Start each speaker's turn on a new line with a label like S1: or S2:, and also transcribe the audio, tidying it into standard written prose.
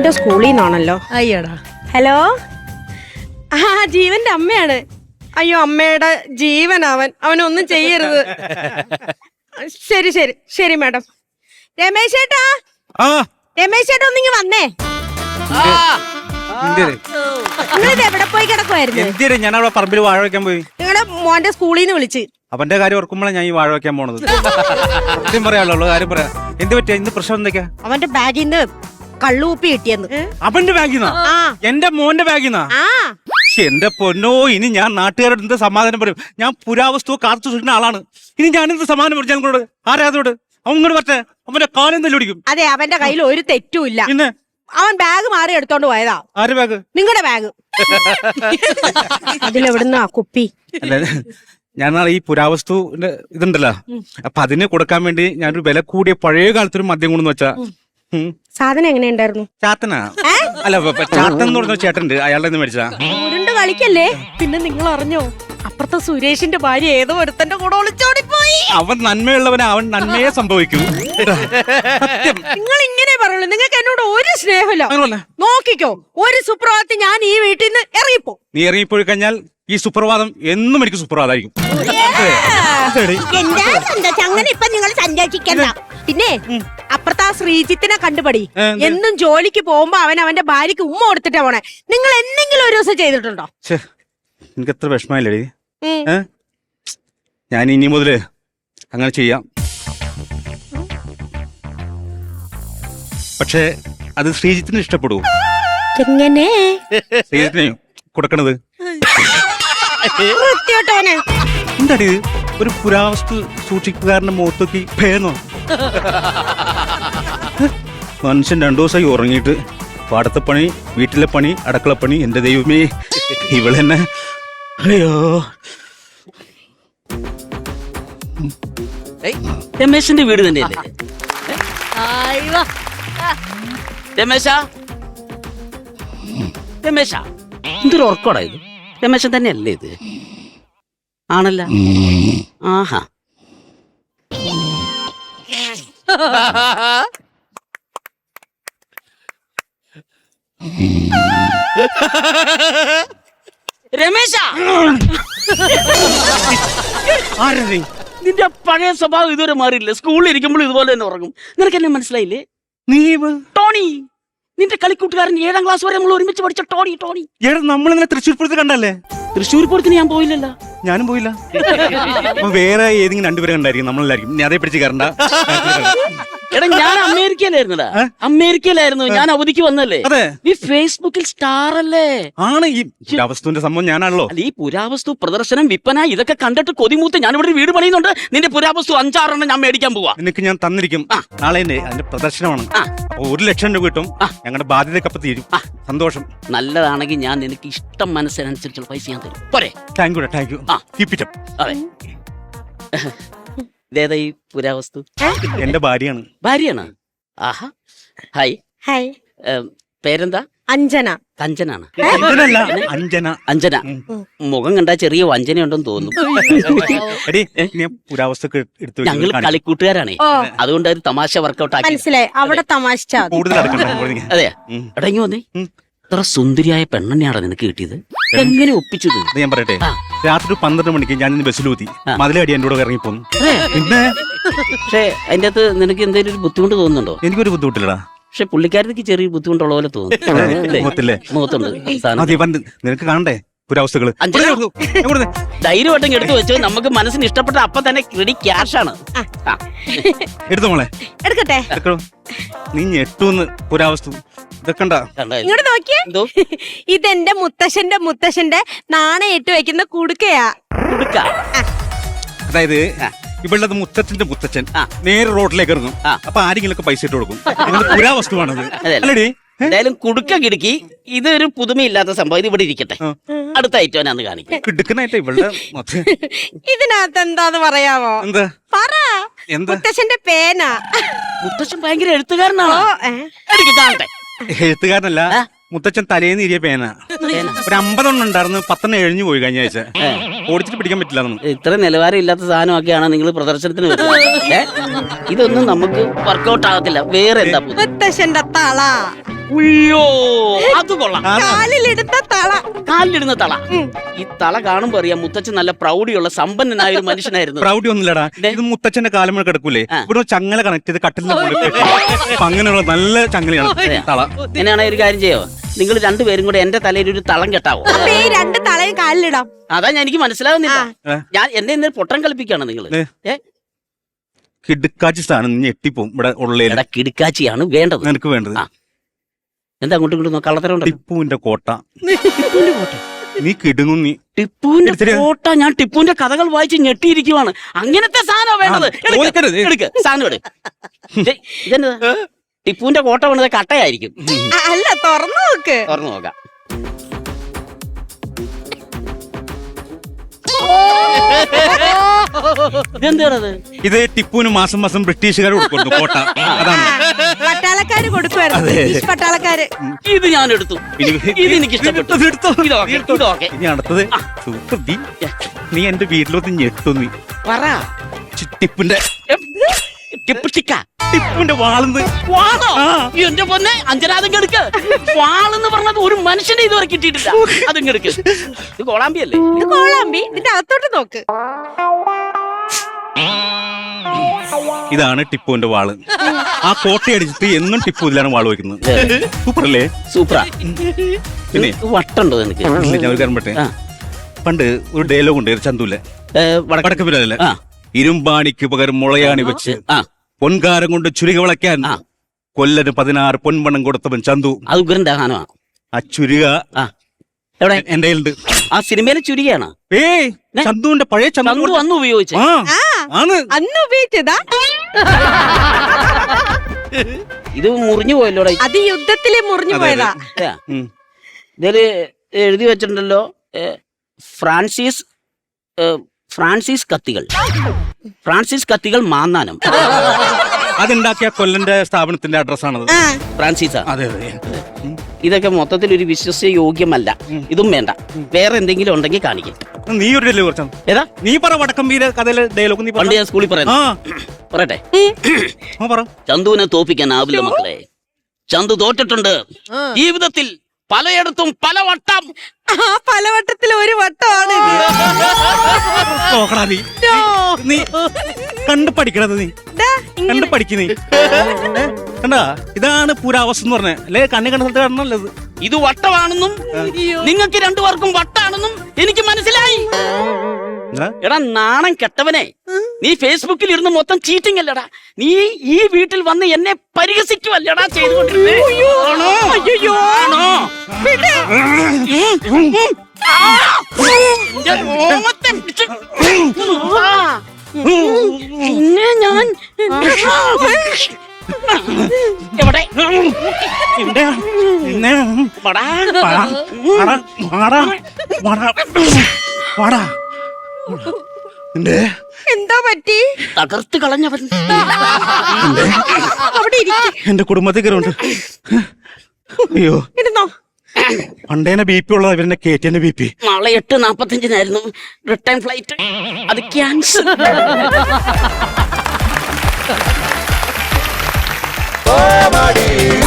S1: മോന്റെ സ്കൂളിൽ നിന്നാണല്ലോ.
S2: അയ്യടാ.
S1: ഹലോ, ആ ജീവന്റെ അമ്മയാണ്. അയ്യോ, അമ്മയുടെ ജീവൻ അവനൊന്നും ചെയ്യരുത്. ശരി ശരി ശരി മാഡം. രമേശ് ചേട്ടാ, രമേശ് ചേട്ടാ ഒന്നിങ്ങ് വന്നേ. നിങ്ങളിത് എവിടെ പോയി കിടക്കുവായിരുന്നു?
S3: ഞാൻ അവിടെ പറമ്പിൽ വാഴ വെക്കാൻ പോയി.
S1: നിങ്ങളുടെ മോന്റെ സ്കൂളിൽ നിന്ന് വിളിച്ച്.
S3: അവന്റെ കാര്യം ഓർക്കുമ്പോഴാണ് ഞാൻ ഈ വാഴ വെക്കാൻ പോണത്. സത്യം പറയാനുള്ളൂ കാര്യം പറയാം. എന്ത് പറ്റിയ ഇന്ന് പ്രശ്നം എന്തൊക്കെയാ?
S1: അവന്റെ ബാഗിൽ നിന്ന് കള്ളുപ്പി കിട്ടിയെന്ന്.
S3: അവന്റെ ബാഗിൽ നിന്നാ? എന്റെ മോന്റെ ബാഗിൽ നിന്നാ? എന്റെ പൊന്നോ, ഇനി ഞാൻ നാട്ടുകാരോട് എന്ത് സമാധാനം പറയും? ഞാൻ പുരാവസ്തു കാത്തു സൂക്ഷിക്കുന്ന ആളാണ്. ഇനി ഞാൻ എന്ത് സമാധാനം പറയും ഞങ്ങളോട്? ആരാധോട്? അവൻ ഇങ്ങോട്ട് പറ്റേ അവന്റെ കാലം തല്ലുപിടിക്കും.
S1: അതെ, അവന്റെ കയ്യിൽ ഒരു തെറ്റുമില്ല.
S3: പിന്നെ
S1: അവൻ ബാഗ് മാറി എടുത്തോണ്ട് പോയതാ.
S3: ആര് ബാഗ്?
S1: നിങ്ങളുടെ ബാഗ്. അതിലെവിടുന്നാ കുപ്പി?
S3: അല്ല, ഞാൻ നാളെ ഈ പുരാവസ്തുവിന്റെ ഇതുണ്ടല്ലോ, അപ്പൊ അതിന് കൊടുക്കാൻ വേണ്ടി ഞാനൊരു വില കൂടിയ പഴയ കാലത്തൊരു മദ്യം കൊണ്ടെന്ന് വെച്ചാ.
S1: സാധനം എങ്ങനെയുണ്ടായിരുന്നു?
S3: ചാത്തനാ? അല്ല, ചാത്തൻ എന്ന് പറഞ്ഞ ചേട്ടനുണ്ട്, അയാളുടെ മേടിച്ചാ.
S1: ഉരുണ്ട് കളിക്കല്ലേ. പിന്നെ നിങ്ങൾ അറിഞ്ഞോ, അപ്പുറത്തെ സുരേഷിന്റെ ഭാര്യ ഏതോ ഒരുത്തന്റെ കൂടെ ഒളിച്ചോടിപ്പോയി.
S3: അവൻ നന്മയുള്ളവനെ അവൻ നന്മയെ സംഭവിക്കൂ.
S1: നിങ്ങൾ ഇങ്ങനെ പറയുള്ളൂ. നിങ്ങൾക്ക് എന്നോട് ഒരു സ്നേഹമില്ല. നോക്കിക്കോ, ഒരു സുപ്രഭാതത്തിൽ ഞാൻ ഈ വീട്ടിൽ നിന്ന് ഇറങ്ങിപ്പോ.
S3: നീ ഇറങ്ങിപ്പോയി കഴിഞ്ഞാൽ ഈ സുപ്രഭാതം എന്നും എനിക്ക് സുപ്രഭാതമായിരിക്കും.
S1: അങ്ങനെ ഇപ്പൊ നിങ്ങൾ സഞ്ചരിക്കണ്ട. പിന്നെ അപ്പുറത്തെ ആ ശ്രീജിത്തിനെ കണ്ടുപടി. എന്നും ജോലിക്ക് പോകുമ്പോ അവൻ അവന്റെ ഭാര്യക്ക് ഉമ്മ കൊടുത്തിട്ടാ പോണേ. നിങ്ങൾ എന്തെങ്കിലും ഒരു ദിവസം ചെയ്തിട്ടുണ്ടോ?
S3: എനിക്ക് എത്ര വിഷമല്ലേ. ഞാൻ ഇനി മുതല് അങ്ങനെ ചെയ്യാം. പക്ഷെ അത് ശ്രീജിത്തിന് ഇഷ്ടപ്പെടൂ.
S1: എങ്ങനെ?
S3: ശ്രീജിത്തിനെ കൊടുക്കണത്
S1: എന്താടി?
S3: ഒരു പുരാവസ്തു സൂക്ഷിപ്പുകാരന്റെ മുഖത്തേക്ക് ഭേദോ? മനുഷ്യൻ 2 ദിവസമായി ഉറങ്ങിയിട്ട് പാടത്തെ പണി, വീട്ടിലെ പണി, അടുക്കളപ്പണി. എന്റെ ദൈവമേ, ഇവളെന്നെ. അയ്യോ,
S4: രമേശിന്റെ വീട് തന്നെയല്ലേ? രമേശ, രമേശ, എന്തൊരു ഉറക്കോടാ ഇത്? രമേശൻ തന്നെയല്ലേ ഇത്? ആണല്ല. ആഹാ, രമേശ, നിന്റെ പഴയ സ്വഭാവം ഇതുവരെ മാറിയില്ല. സ്കൂളിൽ ഇരിക്കുമ്പോൾ ഇതുപോലെ തന്നെ ഉറങ്ങും. നിനക്ക് എന്നെ മനസ്സിലായില്ലേ?
S3: നീ
S4: ടോണി, നിന്റെ കളിക്കൂട്ടുകാരൻ 7ാം ക്ലാസ് വരെ നമ്മൾ ഒരുമിച്ച് പഠിച്ച ടോണി. ടോണി
S3: നമ്മളിങ്ങനെ തൃശ്ശൂർ പൂരത്തിൽ കണ്ടല്ലേ?
S4: തൃശ്ശൂർ പൂരത്തിന് ഞാൻ പോയില്ലല്ലോ.
S3: ഞാനും പോയില്ല. വേറെ ഏതെങ്കിലും 2 പേരെ കണ്ടായിരിക്കും. നമ്മളെല്ലായിരിക്കും. നീ അതേ പിടിച്ച് കയറണ്ട.
S4: എടാ, ഞാൻ അമേരിക്കയിലായിരുന്നടാ. അമേരിക്കയിലായിരുന്നു. ഞാൻ അവധിക്ക് വന്നല്ലേ. ഈ ഫേസ്ബുക്കിൽ സ്റ്റാർ അല്ലേ?
S3: ആണ് ഈ പുരാവസ്തുവിന്റെ സംഭവം. ഞാനാണല്ലോ.
S4: അല്ല, ഈ പുരാവസ്തു പ്രദർശനം, വിൽപ്പന, ഇതൊക്കെ കണ്ടിട്ട് കൊതിമൂത്ത് ഞാൻ ഇവിടെ വീട് പണിയുന്നുണ്ട്. നിന്റെ പുരാവസ്തു 5-6 ഞാൻ മേടിക്കാൻ പോവാ.
S3: നിനക്ക് ഞാൻ തന്നിരിക്കും. നാളെ അതിന്റെ പ്രദർശനമാണ്. അപ്പൊ 1 ലക്ഷം രൂപ കിട്ടും. ഞങ്ങളുടെ ബാധ്യതക്കപ്പം തീരും. സന്തോഷം.
S4: നല്ലതാണെങ്കിൽ ഞാൻ നിനക്ക് ഇഷ്ടം മനസ്സിനനുസരിച്ചുള്ള പൈസ ഞാൻ തരും. പോരെ?
S3: Thank you, thank you.
S4: അതെ. ഇതേതാ ഈ പുരാവസ്തു?
S3: എന്റെ ഭാര്യയാണ്.
S4: ഭാര്യയാണ്? ആഹാ. ഹായ്.
S1: ഹായ്.
S4: പേരെന്താ?
S1: അഞ്ജന.
S4: കഞ്ചനാണ്?
S3: അഞ്ജന.
S4: അഞ്ജന. മുഖം കണ്ടാ ചെറിയ വഞ്ചനയുണ്ടെന്ന് തോന്നുന്നു.
S3: പുരാവസ്തു
S4: ഞങ്ങൾ കളിക്കൂട്ടുകാരാണേ. അതുകൊണ്ട് ഒരു തമാശ വർക്കൗട്ട് ആക്കി.
S1: മനസ്സിലായി. അവിടെ തമാശ.
S4: അതെ. എടങ്ങി വന്നേ. ഇത്ര സുന്ദരിയായ പെണ്ണെന്നെയാണ് നിനക്ക് കിട്ടിയത്. എങ്ങനെ ഒപ്പിച്ചത്?
S3: ഞാൻ പറയട്ടെ, രാത്രി 12 മണിക്ക് ഞാൻ ബസ്സിലൂത്തി മതിലടി എന്റെ കൂടെ ഇറങ്ങിപ്പോന്നു. പിന്നെ
S4: പക്ഷെ അതിന്റെ അകത്ത് നിനക്ക് എന്തെങ്കിലും ഒരു ബുദ്ധിമുട്ട് തോന്നുന്നുണ്ടോ?
S3: എനിക്കൊരു ബുദ്ധിമുട്ടില്ലടാ.
S4: പക്ഷെ പുള്ളിക്കാരത്തേക്ക് ചെറിയ ബുദ്ധിമുട്ടുള്ള പോലെ തോന്നുന്നു. മുഖത്തുണ്ട്.
S3: നിനക്ക് കാണണ്ടേ പുരാവസ്തുക്കള്?
S4: ധൈര്യമായിട്ടും എടുത്തു വെച്ചോ. നമുക്ക് മനസ്സിന് ഇഷ്ടപ്പെട്ട അപ്പൊ തന്നെ ക്രെഡി ക്യാഷ് ആണ്.
S3: എടുത്തോ മോളെ.
S1: എടുക്കട്ടെ.
S3: നീ ഞെട്ടൂന്ന് പുരാവസ്തു.
S1: ഇങ്ങോട്ട് നോക്കിയേ. ഇതെന്റെ മുത്തശ്ശന്റെ നാണയേറ്റ് വെക്കുന്ന കുടുക്കയാ.
S3: അതായത് ഇവളുടെ മുത്തച്ഛൻ നേരെ റോഡിലേക്ക് ഇറങ്ങും. അപ്പൊ ആരെങ്കിലും പൈസ ഇട്ട് കൊടുക്കും. പുരാവസ്തുവാണത്. അല്ലേടി?
S4: എന്തായാലും കുടുക്ക കിടുക്കി. ഇതൊരു പുതുമയില്ലാത്ത സംഭവം. ഇത് ഇവിടെ ഇരിക്കട്ടെ. അടുത്ത ഐറ്റം ഞാൻ കാണിക്കാം.
S3: കിടുക്കനായിട്ട് ഇവളുടെ
S1: ഇതിനകത്ത് എന്താന്ന് പറയാമോ?
S3: എന്താ
S1: പറ. മുത്തശ്ശന്റെ പേന.
S4: മുത്തശ്ശൻ ഭയങ്കര എഴുത്തുകാരനാണോ? എനിക്ക് കാണട്ടെ.
S3: എഴുത്തുകാരനല്ല, മുത്തച്ഛൻ തലേന്ന് ഇരിയ പേന. ഒരു 50 ഉണ്ടായിരുന്നു. 10 എഴിഞ്ഞു പോയി കഴിഞ്ഞ ആഴ്ച. ഓടിച്ചിട്ട് പിടിക്കാൻ പറ്റില്ല.
S4: ഇത്ര നിലവാരം ഇല്ലാത്ത സാധനമൊക്കെയാണ് നിങ്ങൾ പ്രദർശനത്തിന് വരുന്നത്. ഇതൊന്നും നമുക്ക് വർക്കൗട്ട് ആകത്തില്ല. വേറെ എന്താ?
S1: മുത്തശ്ശന്റെ തള.
S4: ഉയ്യോ അത് കൊള്ളാം.
S1: കാലിലിടുന്ന തള.
S4: കാലിലിടുന്ന തള. ഈ തള കാണുമ്പോ അറിയാം മുത്തച്ഛൻ നല്ല പ്രൗഢിയുള്ള സമ്പന്നനായ ഒരു മനുഷ്യനായിരുന്നു.
S3: പ്രൗഢി ഒന്നുമില്ലടാ, ഇത് മുത്തച്ഛന്റെ കാലം കിടക്കൂലേ, ഇവിടെ ചങ്ങല കണക്ട് ചെയ്ത് കട്ടിലിന്റെ മുകളിൽ കെട്ടി. അപ്പൊ അങ്ങനെയുള്ള നല്ല ചങ്ങലയാണ് തള.
S4: എങ്ങനെയാണെങ്കിൽ ഒരു കാര്യം ചെയ്യോ, നിങ്ങൾ രണ്ടുപേരും കൂടെ എന്റെ തലയിൽ ഒരു തളം കെട്ടാവോ?
S1: അപ്പൊ ഈ രണ്ട് തളയും കാലിലിടാം.
S4: അതാ എനിക്ക് മനസ്സിലാവുന്നില്ല. ഞാൻ എന്നെ ഇന്ന് പൊട്ടം കളിപ്പിക്കാണ് നിങ്ങൾ.
S3: കിടുക്കാച്ചി സ്ഥാനം ഞെട്ടിപ്പോവും ഇവിടെ ഉള്ള.
S4: കിടുക്കാച്ചിയാണ് വേണ്ടത്
S3: നിനക്ക് വേണ്ടത്.
S4: എന്താ അങ്ങോട്ടും ഇങ്ങോട്ടും കള്ളത്തരം?
S3: ടിപ്പുവിന്റെ കോട്ട. നീ കിടുങ്ങും. നീ
S4: ടിപ്പുവിന്റെ കോട്ട. ഞാൻ ടിപ്പുവിന്റെ കഥകൾ വായിച്ച് ഞെട്ടിയിരിക്കുവാണ്. അങ്ങനത്തെ സാധനം വേണ്ടത്. എടുക്ക് സാധനം എടു. ഇതെന്താ ടിപ്പുവിന്റെ കോട്ട വേണ്ടത്? കട്ടയായിരിക്കും.
S1: അല്ല, തുറന്നു നോക്ക്.
S4: തുറന്നു നോക്കാം. ഇതെന്താണത്?
S3: ഇത് ടിപ്പുവിന് മാസം മാസം ബ്രിട്ടീഷുകാർ കൊടുക്കുന്നു കോട്ട. അതാണ്
S1: പട്ടാളക്കാര് കൊടുക്കുവായിരുന്നു. പട്ടാളക്കാര്.
S4: ഇത് ഞാൻ എടുത്തു. ഇത് എനിക്ക് ഇഷ്ടപ്പെട്ടു.
S3: ഇനി അടുത്തത് നീ എന്റെ വീട്ടിലൊന്ന് ഞെട്ടു. നീ
S4: പറ.
S3: ടിപ്പിന്റെ ടിപ്പിന്റെ വാളെന്ന്.
S4: വാളോ? എന്റെ പൊന്നെ അഞ്ചനാഥം കെടുക്ക്. വാളെന്ന് പറഞ്ഞത് ഒരു മനുഷ്യനെ ഇതുവരെ കിട്ടിയിട്ടില്ല. അതും കെടുക്ക്. ഇത് കോളാമ്പി അല്ലേ?
S1: ഇത് കോളാമ്പി. ഇതിന്റെ അകത്തോട്ട് നോക്ക്.
S3: ഇതാണ് ടിപ്പുവിന്റെ വാള്. ആ കോട്ടയടിച്ചിട്ട് എന്നും ടിപ്പു ഇതിലാണ് വാള് വയ്ക്കുന്നത്. സൂപ്പർ അല്ലേ?
S4: സൂപ്പറാ.
S3: പിന്നെ
S4: വട്ടുണ്ടോ എനിക്ക്?
S3: ഞാൻ ഒരു കാര്യം പറ്റേ, പണ്ട് ഒരു ഡയലോഗ് ഉണ്ട് ചന്തുല്ലേ, വടക്ക് പിന്നല്ലേ, ഇരുമ്പാണിക്ക് പകരം മുളയാണി വെച്ച് പൊൻകാരം കൊണ്ട് ചുരിക വിളയ്ക്കാൻ കൊല്ലന് 16 പൊൻപണം കൊടുത്തവൻ ചന്തു.
S4: അത് ഉഗ്രന്താണ്.
S3: ആ ചുരിക
S4: എവിടെ?
S3: എന്റെ കയ്യിലുണ്ട്.
S4: ആ സിനിമയിലെ ചുരികയാണ്.
S3: ചന്തുവിന്റെ പഴയ
S4: ചന്തു അന്ന് ഉപയോഗിച്ച.
S1: അന്ന് ഉപയോഗിച്ചതാ.
S4: ഇത് മുറിഞ്ഞു പോയല്ലോടെ.
S1: അത് യുദ്ധത്തില് മുറിഞ്ഞു പോയതാ.
S4: ഇതില് എഴുതി വെച്ചിട്ടുണ്ടല്ലോ ഫ്രാൻസിസ് കത്തികൾ. ഫ്രാൻസിസ് കത്തികൾ മാന്നാനം.
S3: അതുണ്ടാക്കിയ കൊല്ലന്റെ സ്ഥാപനത്തിന്റെ അഡ്രസ്സാണത്.
S4: ഫ്രാൻസിസാ?
S3: അതെ അതെ.
S4: ഇതൊക്കെ മൊത്തത്തിൽ ഒരു വിശ്വസ്യ യോഗ്യമല്ല. ഇതും വേണ്ട. വേറെ എന്തെങ്കിലും ഉണ്ടെങ്കിൽ കാണിക്കും.
S3: നീ ഒരു ഡയലോഗ് കുറച്ചാ.
S4: ഏതാ?
S3: നീ പറ വടക്കമ്പീര കഥയിലെ ഡയലോഗ്. നീ
S4: പണ്ട് ഞാൻ സ്കൂളിൽ പറയട്ടെ. ചന്തുവിനെ തോപ്പിക്കാനാവില്ല മക്കളെ. ചന്തു തോറ്റിട്ടുണ്ട് ജീവിതത്തിൽ പലയിടത്തും പല വട്ടം.
S1: പലവട്ടത്തിൽ ഒരു വട്ടമാണ്.
S3: നീ കണ്ടു പഠിക്കണത്. നീ കണ്ടു പഠിക്കുന്നേ കണ്ടാ. ഇതാണ് പുരാവസ്ഥ എന്ന് പറഞ്ഞ അല്ലെ. കണ്ണി കണ്ട സ്ഥലത്ത് കാണണല്ലത്.
S4: ഇത് വട്ടമാണെന്നും നിങ്ങൾക്ക് രണ്ടുപേർക്കും വട്ടാണെന്നും എനിക്ക് മനസ്സിലായി. എടാ നാണം കെട്ടവനെ, നീ ഫേസ്ബുക്കിൽ ഇരുന്ന് മൊത്തം ചീറ്റിംഗ് അല്ലടാ. നീ ഈ വീട്ടിൽ വന്ന് എന്നെ പരിഹസിക്കുവല്ലടാ ചെയ്തുകൊണ്ടിരുന്നേ. പിന്നെ ഞാൻ എവിടെ
S1: എന്താ പറ്റി?
S4: തകർത്ത് കളഞ്ഞവൻ.
S1: അവിടെ
S3: എന്റെ കുടുംബത്തിൽ കയറുണ്ട്. അയ്യോ
S1: ഇരുന്നോ.
S3: പണ്ടേനെ BP ഉള്ളത് ഇവരുടെ കേറ്റിന്റെ BP.
S4: നാളെ 8:45 റിട്ടേൺ ഫ്ലൈറ്റ്. അത് ക്യാൻസൽ.